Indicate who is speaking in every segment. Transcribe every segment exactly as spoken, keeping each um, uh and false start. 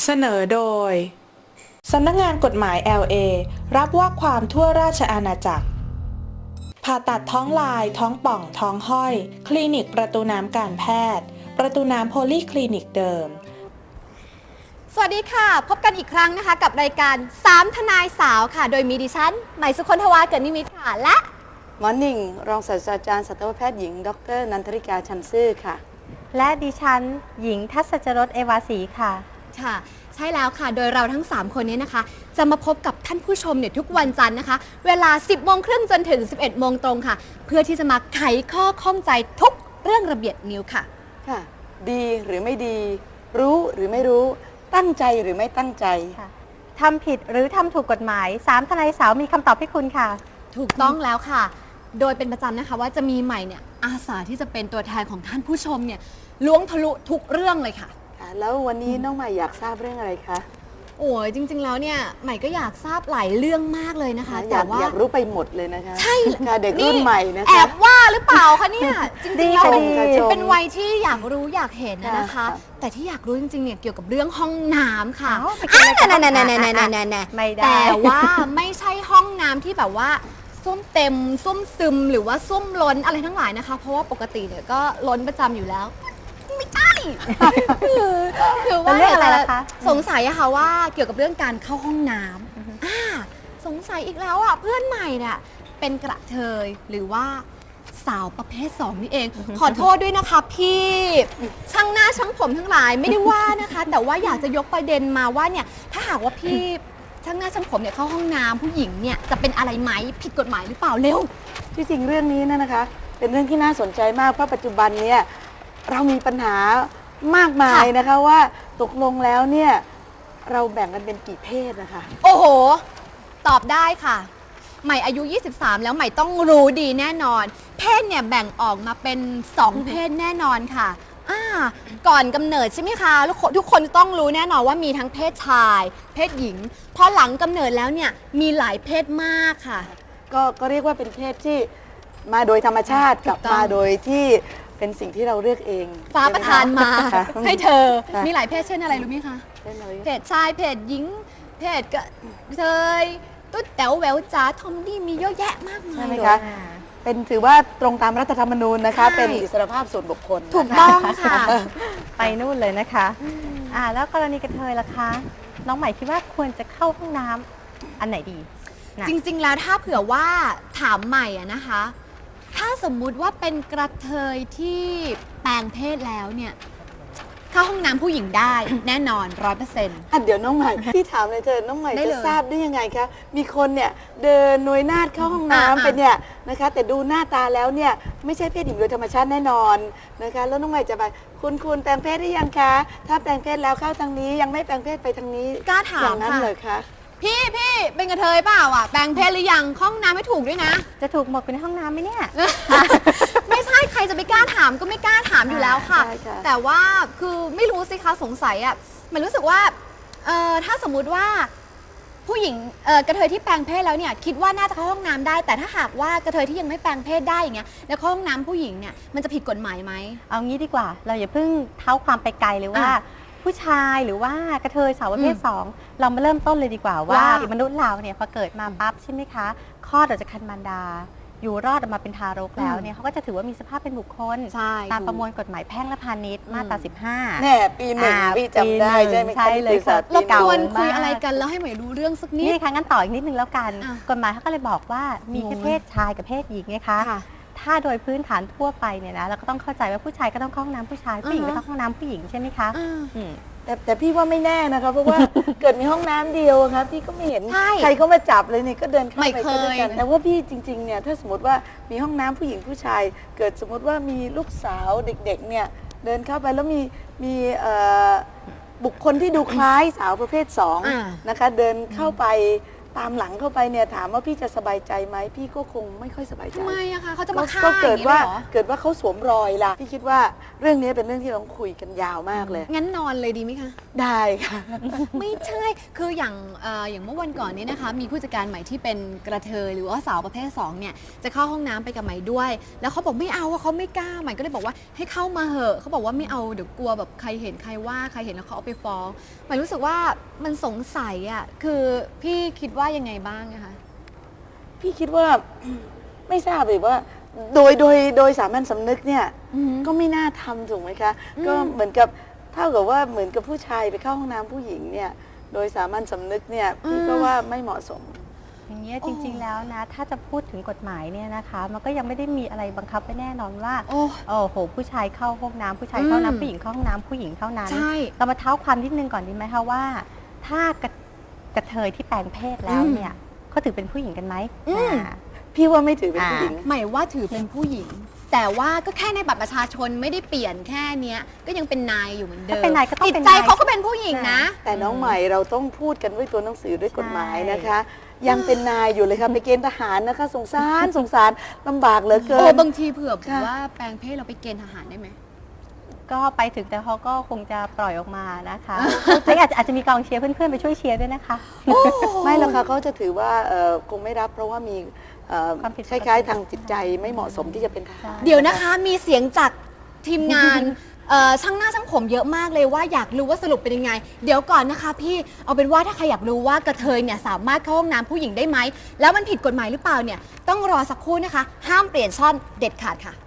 Speaker 1: สนอโดยสำนักงานกฎหมาย แอล เอ รับว่าความทั่วราชอาณาจักรผ่าตัดท้องลายท้องป่องท้องห้อยคลินิกประตูน้ำการแพทย์ประตูน้ำโพลีคลินิกเดิม
Speaker 2: สวัสดีค่ะพบกันอีกครั้งนะคะกับรายการสามทนายสาวค่ะโดยมีดิฉันใหม่สุคนทวาเกิดนิมิตค่ะและ
Speaker 3: หมอหนิ่งรองศาสตราจารย์สัตวแพทย์หญิงดรนันทริกาชันซื่อค่ะ
Speaker 4: และดิฉันหญิงทัศจรสเอวาสีค่ะ
Speaker 2: ค่ะใช่แล้วค่ะโดยเราทั้งสามคนนี้นะคะจะมาพบกับท่านผู้ชมเนี่ยทุกวันจันทร์นะคะเวลา สิบโมงครึ่งจนถึง สิบเอ็ดโมงตรงค่ะเพื่อที่จะมาไขข้อข้องใจทุกเรื่องระเบียบนิ้วค่ะ
Speaker 3: ค่ะดีหรือไม่ดีรู้หรือไม่รู้ตั้งใจหรือไม่ตั้งใจ
Speaker 4: ทำผิดหรือทำถูกกฎหมายสามทนายสาวมีคำตอบให้คุณค่ะ
Speaker 2: ถูกต้องแล้วค่ะโดยเป็นประจำนะคะว่าจะมีใหม่เนี่ยอาสาที่จะเป็นตัวแทนของท่านผู้ชมเนี่ยล้วงทะลุทุกเรื่องเลยค่ะ
Speaker 3: ค่ะแล้ววันนี้น้องใหม่อยากทราบเรื่องอะไรคะ
Speaker 2: โอ้ยจริงๆแล้วเนี่ยใหม่ก็อยากทราบหลายเรื่องมากเลยนะคะ
Speaker 3: แต่ว่าอยากรู้ไปหมดเลยนะคะ
Speaker 2: ใช่
Speaker 3: ค่ะเด็กรุ่นใหม่นะคะ
Speaker 2: แอบว่าหรือเปล่าคะเนี่ยจริงๆแล้วเป็นวัยที่อยากรู้อยากเห็นนะคะแต่ที่อยากรู้จริงๆเนี่ยเกี่ยวกับเรื่องห้องน้ำค่ะ
Speaker 4: นั่น
Speaker 2: ๆๆๆๆๆแต่ว่าไม่ใช่ห้องน้ำที่แบบว่าส้วมเต็มส้วมซึมหรือว่าส้วมล้นอะไรทั้งหลายนะคะเพราะว่าปกติเนี่ยก็ล้นประจำอยู่แล้วไม่ใช่คือคือว่าอะไรล่ะคะสงสัยอะค่ะว่าเกี่ยวกับเรื่องการเข้าห้องน้ำอ่าสงสัยอีกแล้วอะเพื่อนใหม่เนี่ยเป็นกระเทยหรือว่าสาวประเภทสองนี่เองขอโทษด้วยนะคะพี่ช่างหน้าช่างผมทั้งหลายไม่ได้ว่านะคะแต่ว่าอยากจะยกประเด็นมาว่าเนี่ยถ้าหากว่าพี่ช่างหน้าช่างผมเนี่ยเข้าห้องน้ำผู้หญิงเนี่ยจะเป็นอะไรไหมผิดกฎหมายหรือเปล่าเร็ว
Speaker 3: ที่จริงเรื่องนี้นะคะเป็นเรื่องที่น่าสนใจมากเพราะปัจจุบันเนี่ยเรามีปัญหามากมายนะคะว่าตกลงแล้วเนี่ยเราแบ่งกันเป็นกี่เพศนะคะ
Speaker 2: โอ้โหตอบได้ค่ะใหม่อายุยี่สิบสามแล้วใหม่ต้องรู้ดีแน่นอนเพศเนี่ยแบ่งออกมาเป็นสองเพศแน่นอนค่ะอ่าก่อนกำเนิดใช่ไหมคะทุกคนต้องรู้แน่นอนว่ามีทั้งเพศชายเพศหญิงพอหลังกำเนิดแล้วเนี่ยมีหลายเพศมากค่ะ
Speaker 3: ก็ก็เรียกว่าเป็นเพศที่มาโดยธรรมชาติกับมาโดยที่เป็นสิ่งที่เราเลือกเอง
Speaker 2: ฟ้าประทานมาให้เธอมีหลายเพศเช่นอะไรรู้ไหมคะเพศชายเพศหญิงเพศกระเทยตุ๊ดแต๋วแหววจ๋าทอมดี้มีเยอะแยะมากมาย
Speaker 3: ใช่ไหมคะเป็นถือว่าตรงตามรัฐธรรมนูญนะคะเป็นอิสรภาพส่วนบุคคล
Speaker 2: ถูกต้องค่ะ
Speaker 4: ไปนู่นเลยนะคะอ่าแล้วกรณีกระเทยล่ะคะน้องใหม่คิดว่าควรจะเข้าห้องน้ำอันไหนดี
Speaker 2: จริงๆแล้วถ้าเผื่อว่าถามใหม่อะนะคะถ้าสมมุติว่าเป็นกระเทยที่แปลงเพศแล้วเนี่ยเข้าห้องน้ำผู้หญิงได้แน่นอนร้อยเปอร์เซ็นต์
Speaker 3: เดี๋ยวน้องใหม่พี่ถามเลยเธอน้องใหม่จะทราบได้ยังไงคะมีคนเนี่ยเดินนวยนาฏเข้าห้องน้ำไปเนี่ยนะคะแต่ดูหน้าตาแล้วเนี่ยไม่ใช่เพศหญิงโดยธรรมชาติแน่นอนนะคะแล้วน้องใหม่จะไปคุณคุณแปลงเพศได้ยังคะถ้าแปลงเพศแล้วเข้าทางนี้ยังไม่แปลงเพศไปทางนี้
Speaker 2: กล้าถาม
Speaker 3: อย่างนั้นเลยคะ
Speaker 2: พี่พี่เป็นกระเทยเปล่าอ่ะแปลงเพศหรือยังห้องน้ำไม่ถูกด้วยนะ
Speaker 4: จะถูกหมดเป็นห้องน้ำไหมเนี่ย
Speaker 2: ไม่ใช่ใครจะไปกล้าถามก็ไม่กล้าถามอยู่แล้วค่ะแต่ว่าคือไม่รู้สิคะสงสัยอ่ะมันรู้สึกว่าเออถ้าสมมุติว่าผู้หญิงเออกระเทยที่แปลงเพศแล้วเนี่ยคิดว่าน่าจะเข้าห้องน้ำได้แต่ถ้าหากว่ากระเทยที่ยังไม่แปลงเพศได้อย่างเงี้ยแล้วเข้าห้องน้ำผู้หญิงเนี่ยมันจะผิดกฎหมายไหม
Speaker 4: เอางี้ดีกว่าเราอย่าเพิ่งเท้าความไปไกลเลยว่าผู้ชายหรือว่ากระเทยสาวประเภทสองเรามาเริ่มต้นเลยดีกว่าว่ามนุษย์เราเนี่ยพอเกิดมาปั๊บใช่ไหมคะคลอดออกจากครรภ์มารดาอยู่รอดออกมาเป็นทารกแล้วเนี่ยเขาก็จะถือว่ามีสภาพเป็นบุคคลตามประมวลกฎหมายแพ่งและพาณิชย์มาตราสิบห้า
Speaker 3: แน่ปีหนึ่งพี่จำได้ใช่ไหมคะ
Speaker 4: เลย
Speaker 2: เราควรคุยอะไรกันแล้วให้หมวยรู้เรื่องสักนิด
Speaker 4: นี่ค่ะงั้นต่ออีกนิดนึงแล้วกันกฎหมายเขาก็เลยบอกว่ามีแค่เพศชายกับเพศหญิงไงคะถ้าโดยพื้นฐานทั่วไปเนี่ยนะเราก็ต้องเข้าใจว่าผู้ชายก็ต้องเข้าห้องน้ำผู้ชายผู้หญิงก็ต้องเข้าห้องน้ำผู้หญิงใช่ไหมคะ
Speaker 3: แต่แต่พี่ว่าไม่แน่นะคะเพราะว่าเกิดมีห้องน้ำเดียวครับพี่ก็ไม่เห็นใครเขามาจับเลยเนี่ยก็เดินเข้าไปด้วยกันแต่ว่าพี่จริงๆเนี่ยถ้าสมมติว่ามีห้องน้ำผู้หญิงผู้ชายเกิดสมมติว่ามีลูกสาวเด็กๆเนี่ยเดินเข้าไปแล้วมีมีบุคคลที่ดูคล้ายสาวประเภทสองนะคะเดินเข้าไปตามหลังเข้าไปเนี่ยถามว่าพี่จะสบายใจไหมพี่ก็คงไม่ค่อยสบายใจ
Speaker 2: ทำไมอะคะเขาจะมาฆ่า
Speaker 3: ก็
Speaker 2: อ
Speaker 3: เกิ
Speaker 2: ย่า
Speaker 3: ด
Speaker 2: งนี้
Speaker 3: ว่า
Speaker 2: เลยเหรอ
Speaker 3: เกิดว่าเขาสวมรอยล่ะพี่คิดว่าเรื่องนี้เป็นเรื่องที่เราต้องคุยกันยาวมากเลย
Speaker 2: งั้นนอนเลยดีไหมคะ
Speaker 3: ได้ค่ะ
Speaker 2: ไม่ใช่ คืออย่างเอ่ออย่างเมื่อวันก่อนนี้นะคะ มีผู้จัดการใหม่ที่เป็นกระเทยหรือว่าสาวประเภทสองเนี่ยจะเข้าห้องน้ำไปกับใหม่ด้วย แล้วเขาบอกไม่เอาว่าเขาไม่กล้าใหม่ก็เลยบอกว่าให้เข้ามาเหอะเขาบอกว่าไม่เอาเดี๋ยวกลัวแบบใครเห็นใครว่าใครเห็นแล้วเขาเอาไปฟ้องใหม่รู้สึกว่ามันสงสัยอ่ะคือพี่คิดว่ายังไงบ้างนะคะ
Speaker 3: พี่คิดว่า ไม่ทราบเลยว่า โดยโดยโดยสามัญสำนึกเนี่ย
Speaker 2: อืม
Speaker 3: ก็ไม่น่าทำถูกไหมคะ
Speaker 2: อืม
Speaker 3: ก็เหมือนกับเท่ากับว่าเหมือนกับผู้ชายไปเข้าห้องน้ำผู้หญิงเนี่ยโดยสามัญสำนึกเนี่ยพี่ก็ว่าไม่เหมาะสม
Speaker 4: อย่างเงี้ยจริงๆแล้วนะ ถ้าจะพูดถึงกฎหมายเนี่ยนะคะ มันก็ยังไม่ได้มีอะไรบังคับไว้แน่นอนว่า
Speaker 2: โอ้
Speaker 4: โอ้โหผู้ชายเข้าห้องน้ำผู้ชายเข้า
Speaker 2: อืม
Speaker 4: น้ำผู้หญิงเข้าห้องน้ำผู้หญิงเท่านั้น
Speaker 2: ใช่
Speaker 4: เรามาเท้าความนิดนึงก่อนดีไหมคะว่า ถ้ากระกระเทยที่แปลงเพศแล้วเนี่ยเขาถือเป็นผู้หญิงกันไหม
Speaker 2: อืม
Speaker 4: อ่า
Speaker 3: พี่ว่าไม่ถือเป็นผู้หญิง
Speaker 2: หมายว่าถือเป็นผู้หญิง แต่ว่าก็แค่ในบัตรประชาชนไม่ได้เปลี่ยนแค่เนี้ยก็ยังเป็นนายอยู่เหมือนเดิม
Speaker 4: ถ้าเป็นนายก็ต้อง
Speaker 2: จิต
Speaker 4: เป็น
Speaker 2: ใจ
Speaker 4: นาย
Speaker 2: เขาก็เป็นผู้หญิงนะ
Speaker 3: แต่น้องใหม่เราต้องพูดกันด้วยตัวหนังสือด้วยกฎหมาย
Speaker 4: ใช่
Speaker 3: นะคะ ยังเป็นนายอยู่เลยค่ะไปเกณฑ์ทหารนะคะ สงสารสงสารลำบากเหลือเกิ
Speaker 2: โอ้
Speaker 3: น
Speaker 2: บางทีเผื่อ
Speaker 3: ค่ะ
Speaker 2: ว่าแปลงเพศเราไปเกณฑ์ทหารได้ไหม
Speaker 4: ก็ไปถึงแต่เขาก็คงจะปล่อยออกมานะคะแล้วอาจจะอาจจะมีกองเชียร์เพื่อนๆไปช่วยเชียร์ด้วยนะคะ
Speaker 3: ไม่หรอกค่ะเขาจะถือว่าเอ่อคงไม่รับเพราะว่ามีเอ่อ
Speaker 4: ความผิดป
Speaker 3: ค
Speaker 4: กติ
Speaker 3: ล้ายๆทางจิตใจไม่เหมาะสมที่จะเป็นทหาร
Speaker 2: เดี๋ยวนะคะมีเสียงจากทีมงาน เอ่อช่างหน้าช่างผมเยอะมากเลยว่าอยากรู้ว่าสรุปเป็นยังไง เดี๋ยวก่อนนะคะพี่เอาเป็นว่าถ้าใครอยากรู้ว่ากระเทยเนี่ยสามารถเข้าห้องน้ำผู้หญิงได้ไหมแล้วมันผิดกฎหมายหรือเปล่าเนี่ยต้องรอสักครู่นะคะ ห้ามเปลี่ยนช่องเด็ดขาดค่ะ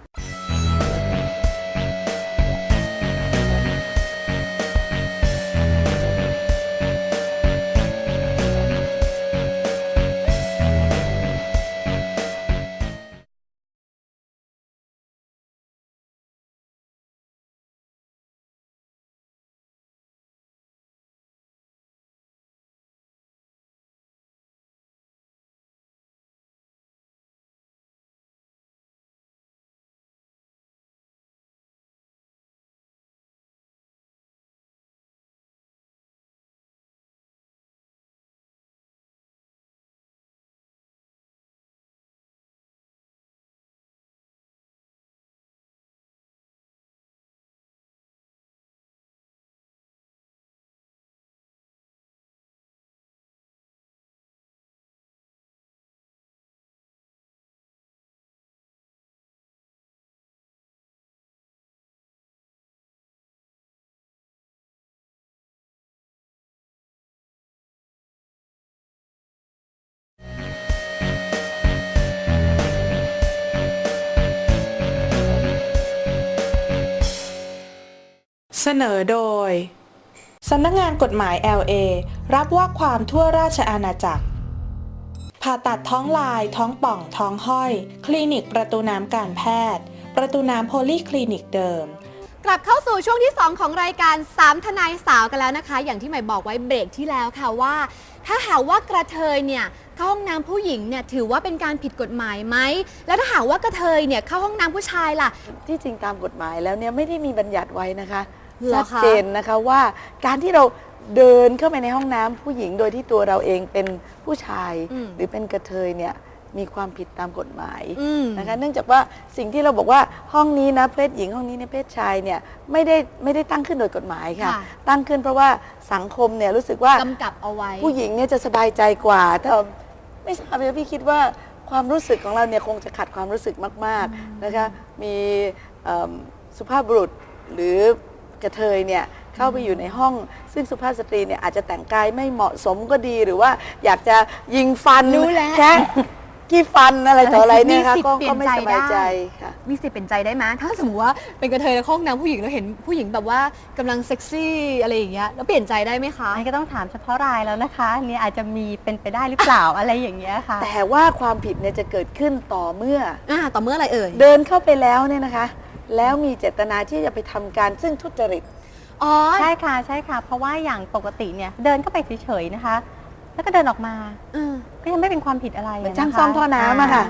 Speaker 1: เสนอโดย สำนักงานกฎหมาย แอล เอ รับว่าความทั่วราชอาณาจักร ผ่าตัดท้องลาย ท้องป่อง ท้องห้อย คลินิกประตูน้ำการแพทย์ ประตูน้ำโพลีคลินิกเดิม
Speaker 2: กลับเข้าสู่ช่วงที่ สอง ของรายการสามทนายสาวกันแล้วนะคะ อย่างที่ใหม่บอกไว้เบรกที่แล้วค่ะว่า ถ้าหากว่ากระเทยเนี่ยเข้าห้องน้ำผู้หญิงเนี่ยถือว่าเป็นการผิดกฎหมายไหมแล้วถ้าหากว่ากระเทยเนี่ยเข้าห้องน้ำผู้ชายล่ะ
Speaker 3: ที่จริงตามกฎหมายแล้วเนี่ยไม่ได้มีบัญญัติไว้นะคะ
Speaker 2: เหร
Speaker 3: ชั
Speaker 2: อ
Speaker 3: ด
Speaker 2: คะ
Speaker 3: เจนนะคะว่าการที่เราเดินเข้าไปในห้องน้ำผู้หญิงโดยที่ตัวเราเองเป็นผู้ชาย
Speaker 2: อืม
Speaker 3: หรือเป็นกระเทยเนี่ยมีความผิดตามกฎหมาย
Speaker 2: อืม
Speaker 3: นะคะเนื่องจากว่าสิ่งที่เราบอกว่าห้องนี้นะเพศหญิงห้องนี้ในเพศชายเนี่ยไม่ได้ไม่ได้ตั้งขึ้นโดยกฎหมายค่ะ
Speaker 2: ค่ะ
Speaker 3: ตั้งขึ้นเพราะว่าสังคมเนี่ยรู้สึกว่าก
Speaker 2: ำกับเอาไว้
Speaker 3: ผู้หญิงเนี่ยจะสบายใจกว่าแต่ไม่ทราบเลยพี่คิดว่าความรู้สึกของเราเนี่ยคงจะขัดความรู้สึกมากๆนะคะมีเอิ่มสุภาพบุรุษหรือกระเทยเนี่ยเข้าไปอยู่ในห้อง ซึ่งสุภาพสตรีเนี่ยอาจจะแต่งกายไม่เหมาะสมก็ดีหรือว่าอยากจะยิงฟัน
Speaker 2: รู้แล้ว
Speaker 3: แค่ขี้ฟันอะไรต่ออะไรเนี่ยค่ะ
Speaker 2: มีสิทธิ์
Speaker 3: ก็
Speaker 2: เปลี่ย
Speaker 3: ก็
Speaker 2: น
Speaker 3: ไม่
Speaker 2: ใจ
Speaker 3: สบายใจ
Speaker 2: ได้
Speaker 3: ค่ะ
Speaker 2: มีสิทธิ์เป็นใจได้ไหมถ้าสมมติว่าเป็นกระเทยแล้วเข้าห้องน้ำผู้หญิงแล้วเห็นผู้หญิงแบบว่ากำลังเซ็กซี่อะไรอย่างเงี้ยแล้วเปลี่ยนใจได้ไหมคะ
Speaker 4: อันนี้ก็ต้องถามเฉพาะรายแล้วนะคะอันนี่อาจจะมีเป็นไปได้หรือเปล่า อะไรอย่างเงี้ยค่ะ
Speaker 3: แต่ว่าความผิดเนี่ยจะเกิดขึ้นต่อเมื่อ
Speaker 2: อ่าต่อเมื่ออะไรเอ่ย
Speaker 3: เดินเข้าไปแล้วเนี่ยนะคะ แล้วมีเจตนาที่จะไปทำการซึ่งทุจริต
Speaker 2: อ๋อ
Speaker 4: ใช่ค่ะใช่ค่ะ เพราะว่าอย่างปกติเนี่ยเดินเข้าไปเฉยๆนะคะ แล้วก็เดินออกมา
Speaker 2: เออ
Speaker 4: ก็ยังไม่เป็นความผิดอะไร
Speaker 3: เหมือน
Speaker 4: นะคะ
Speaker 3: ช่างซ่อมท่อน้ำอะค่ะ
Speaker 2: อ๋อ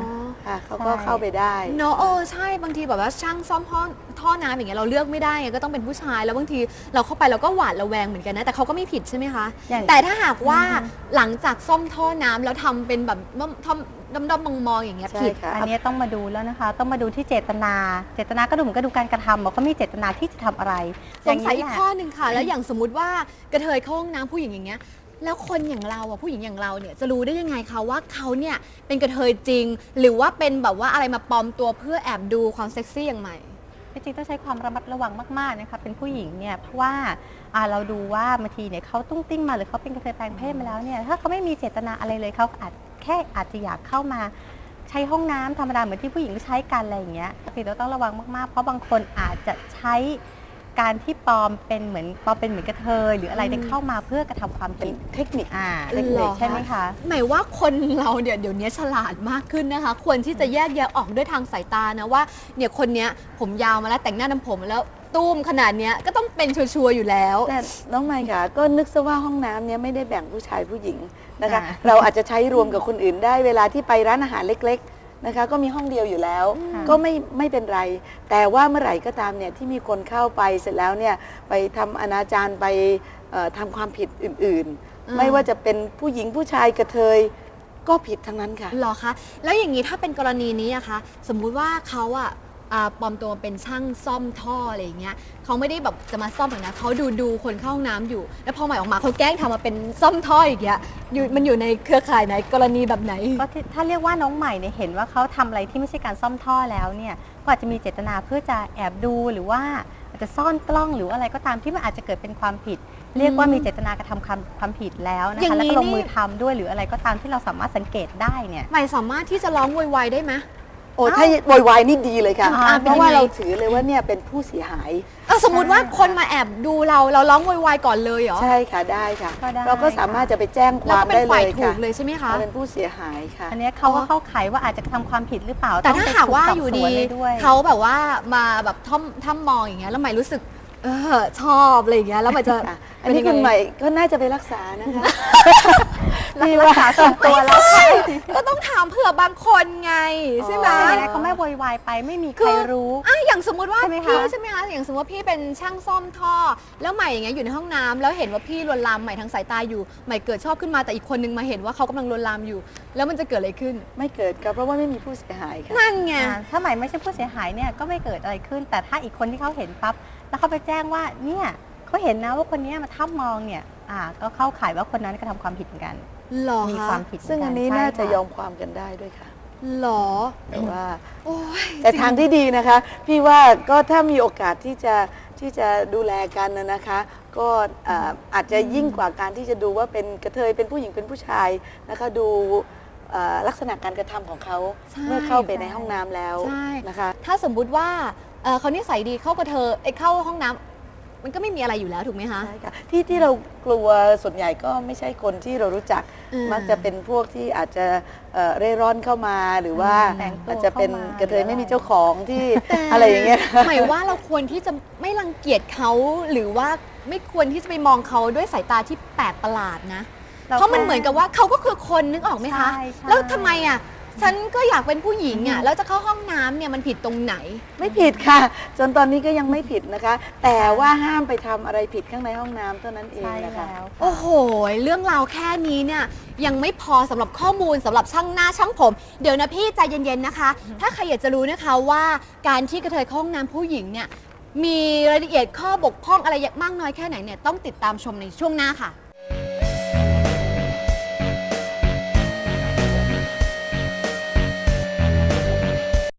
Speaker 3: ค่ะเขาก็
Speaker 4: ใช่
Speaker 3: เข้าไปได้
Speaker 2: เนาะเออใช่บางทีแบบว่าช่างซ่อมท่อท่อน้ำอย่างเงี้ยเราเลือกไม่ได้ไงก็ต้องเป็นผู้ชายแล้วบางทีเราเข้าไปเราก็หวาดระแวงเหมือนกันนะแต่เขาก็ไม่ผิดใช่ไหมคะ
Speaker 4: อย่าง
Speaker 2: แต่ถ้าหากว่าหลังจากซ่อมท่อน้ำแล้วทำเป็นแบบท่อดำดำมองมองๆอย่างเงี้ย
Speaker 3: ใช่
Speaker 2: ผิด
Speaker 3: ค่ะ
Speaker 4: อันนี้ต้องมาดูแล้วนะคะ ต้องมาดูที่เจตนา เจตนาก็ดูเหมือนก็ดูการกระทำว่าเขามีเจตนาที่จะทำอะไร
Speaker 2: สงสัยอีก
Speaker 4: แหละ
Speaker 2: ข้อหนึ่งค่ะ แล้วอย่างสมมติว่ากระเทยเข้าห้องน้ำผู้หญิงอย่างเงี้ยแล้วคนอย่างเราอ่ะผู้หญิงอย่างเราเนี่ยจะรู้ได้ยังไงคะว่าเขาเนี่ยเป็นกระเทยจริง หรือว่าเป็นแบบว่าอะไรมาปลอมตัวเพื่อแอบดูความเซ็กซี่อย่างใหม่
Speaker 4: จริงๆต้องใช้ความระมัดระวังมากๆนะคะเป็นผู้หญิงเนี่ยเพราะว่าอ่าเราดูว่าบางทีเนี่ยเขาตุ้งติ้งมาหรือเขาเป็นกระเทยแปลงเพศมาแล้วเนี่ยถ้าเขาไม่มีเจตนาอะไรเลยเขาอาจแค่อาจจะอยากเข้ามาใช้ห้องน้ำธรรมดาเหมือนที่ผู้หญิงใช้กันอะไรอย่างเงี้ยพี่เราต้องระวังมากๆเพราะบางคนอาจจะใช้การที่ปลอมเป็นเหมือนปลอมเป็นเหมือนกระเทยหรืออะไรเนี่ยเข้ามาเพื่อกระทำความ
Speaker 3: เป็
Speaker 4: ผิ
Speaker 3: น
Speaker 4: ด
Speaker 3: เทคนิค
Speaker 4: อ่า
Speaker 2: หรอ
Speaker 4: เด็กๆใช่ไหมคะ
Speaker 2: หมายว่าคนเราเนี่ยเดี๋ยวนี้ฉลาดมากขึ้นนะคะ ควรที่จะแยกแยะออกด้วยทางสายตานะว่าเนี่ยคนเนี้ยผมยาวมาแล้วแต่งหน้าทำผมแล้วตุ้มขนาดเนี้ยก็ต้องเป็นชัวร์ๆอยู่แล้ว
Speaker 3: แต่น้องไมค์ค่ะก็นึกซะว่าห้องน้ำเนี้ยไม่ได้แบ่งผู้ชายผู้หญิงนะคะ
Speaker 4: ค่ะ
Speaker 3: เราอาจจะใช้รวมกับคนอื่นได้เวลาที่ไปร้านอาหารเล็กๆนะคะก็มีห้องเดียวอยู่แล้ว
Speaker 4: ค่ะ
Speaker 3: ก็ไม่ไม่เป็นไร แต่ว่าเมื่อไหร่ก็ตามเนี่ยที่มีคนเข้าไปเสร็จแล้วเนี่ยไปทำอนาจารไปเอ่อทำความผิดอื่น
Speaker 2: อ่า
Speaker 3: ๆ ไม่ว่าจะเป็นผู้หญิงผู้ชายกระเทยก็ผิดทั้งนั้นค่ะ
Speaker 2: หรอคะ แล้วอย่างนี้ถ้าเป็นกรณีนี้อะคะ สมมุติว่าเขาอะอ่าปลอมตัวเป็นช่างซ่อมท่ออะไรอย่างเงี้ยเขาไม่ได้แบบจะมาซ่อมหรอกนะเขาดูดูคนเข้าห้องน้ำอยู่ แล้วพอใหม่ออกมาเขาแกล้งทำมาเป็นซ่อมท่ออย่างเงี้ยอยู่มันอยู่ในเครือข่ายไหนกรณีแบบไหน
Speaker 4: ก็ที่ถ้าเรียกว่าน้องใหม่เนี่ยเห็นว่าเขาทำอะไรที่ไม่ใช่การซ่อมท่อแล้วเนี่ยก็อาจจะมีเจตนาเพื่อจะแอบดูหรือว่าอาจจะซ่อนกล้องหรืออะไรก็ตามที่มันอาจจะเกิดเป็นความผิด เรียกว่ามีเจตนากระทำความความผิดแล้วนะ
Speaker 2: อย่า
Speaker 4: คะ
Speaker 2: งนี้
Speaker 4: แล้วก็ลง
Speaker 2: นี่
Speaker 4: มือทำด้วยหรืออะไรก็ตามที่เราสามารถสังเกตได้เนี่ย
Speaker 2: ใหม่สามารถที่จะร้องโวยวายได้ไหม
Speaker 3: โอ้ถ้าโวยวายนี่ดีเลยค่ะ
Speaker 4: อ่า
Speaker 3: เพราะว่า
Speaker 2: เป็นยังไง
Speaker 3: เราถือเลยว่าเนี่ยเป็นผู้เสียหาย
Speaker 2: เออสมมุติว่าคนมาแอบดูเราเราร้องโวยวายก่อนเลยเหรอ
Speaker 3: ใช่ค่ะได้ค่ะ
Speaker 4: ก็ได้
Speaker 3: เราก็สามารถจะไปแจ้งค
Speaker 2: แล้ว
Speaker 3: วาม
Speaker 2: ก็เป็น
Speaker 3: ได้เล
Speaker 2: ฝ่าย
Speaker 3: ย
Speaker 2: ถู
Speaker 3: ค่ะ
Speaker 2: กเลยใช่ไหมคะ
Speaker 3: เราเป็นผู้เสียหายค่ะ
Speaker 4: อันเนี้ยเขาก็เข้าข่ายว่าอาจจะทำความผิดหรือเปล่า
Speaker 2: แต่
Speaker 4: อง
Speaker 2: ถ้า
Speaker 4: ไป
Speaker 2: หากว่า
Speaker 4: ถูสบ
Speaker 2: อยู่
Speaker 4: ส
Speaker 2: ดี
Speaker 4: วนเลยด้วย
Speaker 2: เขาแบบว่ามาแบบท่อมท่ามมองอย่างเงี้ยแล้วใหม่รู้สึกเออชอบอะไรอย่างเงี้ยแล้วใหม่จะ
Speaker 3: ค่ะอันนี้คุณใหม่ก็น่าจะไปรักษานะคะ
Speaker 4: รักษาส่วนตัวแล้ว
Speaker 2: ก็ต้องถามเผื่อบางคนไงใช่ไหม
Speaker 3: อ๋อ
Speaker 4: แต่ยังไงเขาไม่โวยวายไปไม่มีใครรู้
Speaker 2: อ่ะอย่างสมมุติว่า
Speaker 4: ใช่ไหมคะ
Speaker 2: พี่ใช่ไหมคะอย่างสมมติว่าพี่เป็นช่างซ่อมท่อ แล้วใหม่อย่างเงี้ยอยู่ในห้องน้ำแล้วเห็นว่าพี่ลวนลามใหม่ทางสายตาอยู่ใหม่เกิดชอบขึ้นมาแต่อีกคนนึงมาเห็นว่าเขากำลังลวนลามอยู่ แล้วมันจะเกิดอะไรขึ้น
Speaker 3: ไม่เกิดค่ะเพราะว่าไม่มีผู้เสียหายค่ะ
Speaker 2: นั่นไง
Speaker 4: อ่าถ้าใหม่ไม่ใช่ผู้เสียหายเนี่ยก็ไม่เกิดอะไรขึ้น แต่ถ้าอีกคนที่เขาเห็นปั๊บแล้วเขาไปแจ้งว่าเนี่ยเขาเห็นนะว่าคนเนี้ยมาทับมองเนี่ยอ่าก็เข้าข่ายว่าคนนั้นกระทำความผิดเหมือนกัน
Speaker 2: หรอ
Speaker 4: มี
Speaker 2: คะ
Speaker 4: ความผิดเหมื
Speaker 3: ซึ่ง
Speaker 4: กั
Speaker 3: อันนี้
Speaker 4: ใช่
Speaker 3: น่าจะ
Speaker 4: ค่
Speaker 3: ยอมความกันได้ด้วยค่ะ
Speaker 2: หรอ
Speaker 3: แต่ว่า
Speaker 2: โอ้ย
Speaker 3: แต่ทางที่ดีนะคะ พี่ว่าก็ถ้ามีโอกาสที่จะที่จะดูแลกันนะนะคะ ก็อ่าอาจจะยิ่งกว่าการที่จะดูว่าเป็นกระเทยเป็นผู้หญิงเป็นผู้ชายนะคะดูอ่าลักษณะการกระทำของเขา
Speaker 2: ใช่
Speaker 3: เมื่อเข้าไปในห้องน้ำแล้ว
Speaker 2: ใช่
Speaker 3: นะคะ
Speaker 2: ถ้าสมมุติว่าเอ่อเขานิสัยดีเข้ากระเทอไอ้เข้าห้องน้ำมันก็ไม่มีอะไรอยู่แล้วถูกไหมคะ
Speaker 3: ใช่ค่ะที่ที่เรากลัวส่วนใหญ่ก็ไม่ใช่คนที่เรารู้จัก
Speaker 2: อืม
Speaker 3: มักจะเป็นพวกที่อาจจะเอ่อเร่ร่อนเข้ามาหรือว่า
Speaker 4: แต่งตัว
Speaker 3: อาจจะเป็น
Speaker 4: เข้ามาก
Speaker 3: ระเทย
Speaker 4: หรืออะไร
Speaker 3: ไม่มีเจ้าของที่อะไรอย่างเงี้ย
Speaker 2: หมายว่าเราควรที่จะไม่รังเกียจเขาหรือว่าไม่ควรที่จะไปมองเขาด้วยสายตาที่แปลกประหลาดนะ เพราะมันเหมือนกับว่าเขาก็คือคนนึกออกไหมคะ
Speaker 4: ใช่ใช่
Speaker 2: แล้วทำไมอ่ะฉันก็อยากเป็นผู้หญิงอ่ะแล้วจะเข้าห้องน้ำเนี่ยมันผิดตรงไหน
Speaker 3: ไม่ผิดค่ะ จนตอนนี้ก็ยังไม่ผิดนะคะ แต่ว่าห้ามไปทำอะไรผิดข้างในห้องน้ำเท่านั้นเอง
Speaker 4: ใช่
Speaker 3: นะคะ
Speaker 4: แล้ว
Speaker 2: โอ้โห เรื่องราวแค่นี้เนี่ยยังไม่พอสำหรับข้อมูลสำหรับช่างหน้าช่างผม เดี๋ยวนะพี่ใจเย็นๆนะคะ ถ้าใครอยากจะรู้นะคะว่าการที่กระเทยเข้าห้องน้ำผู้หญิงเนี่ยมีรายละเอียดข้อบกพร่องอะไรมากน้อยแค่ไหนเนี่ยต้องติดตามชมในช่วงหน้าค่ะ